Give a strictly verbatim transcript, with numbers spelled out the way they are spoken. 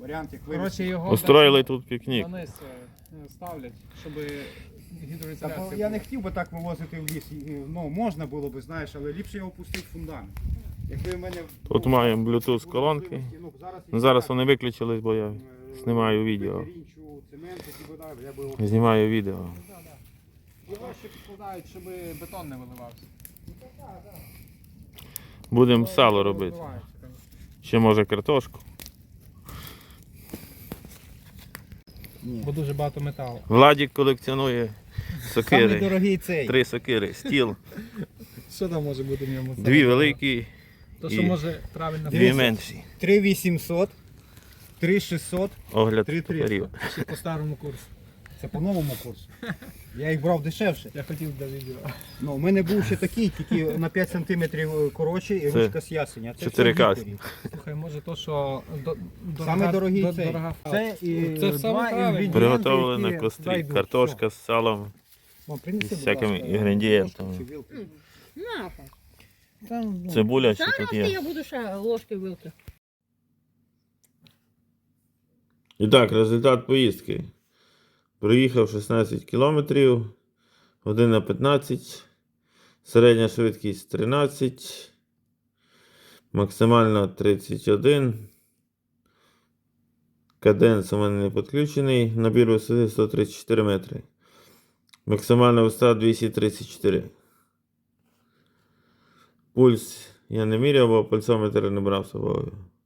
варіант, як Коротше, вивезти. його Устроїли тут пікнік. вниз е, ставлять, щоб Та, гідроізоляція бо я була. не хотів би так вивозити в ліс. І, Ну, можна було б, знаєш, але ліпше його пустити в фундамент. Якби в мене, Тут ну, маємо Bluetooth було колонки. можливості, ну, зараз, Ну, зараз вони виключились, бо я знімаю відео. Рінчу, цемент, які вода, я би його... Знімаю відео. Да, да. Його ще підкладають, щоб бетон не виливався. Будемо сало робити. Розбивається, конечно. Ще може картошку. Ні. Бо дуже багато металу. Владік колекціонує Самий сокири. дорогий цей. Три сокири. Стіл. Що там може бути в ньому? Дві великі, То, що і може правильно дві менші. три вісімсот, три шістсот, Огляд три топорів. триста. ще по старому курсу. Це по новому курсу. Я їх брав дешевше. Я хотів до відео. Ну, у мене був ще такий, тільки на п'ять сантиметрів коротший і Це ручка з ясеня. Це чотири все касі. Вікторі. Слухай, може то, що до, дорога, Саме дорогий до- цей. дорога. Це і Це саме два правильно. інгредієнти, Приготовлено на які кострі. зайдуть. Картошка з салом. О, принеси, з будь всякими ласка, інгредієнтами. ложку чи вилку. Наша. Там, ну, Цибуля ще тут Зараз є. я буду ще ложки вилки. І так, результат поїздки. Проїхав шістнадцять кілометрів, година п'ятнадцять, середня швидкість тринадцять, максимальна тридцять один, каденс у мене не підключений, набір висоти сто тридцять чотири метри, максимальна висота двісті тридцять чотири. Пульс я не міряв, бо пульсометр не брав з собою.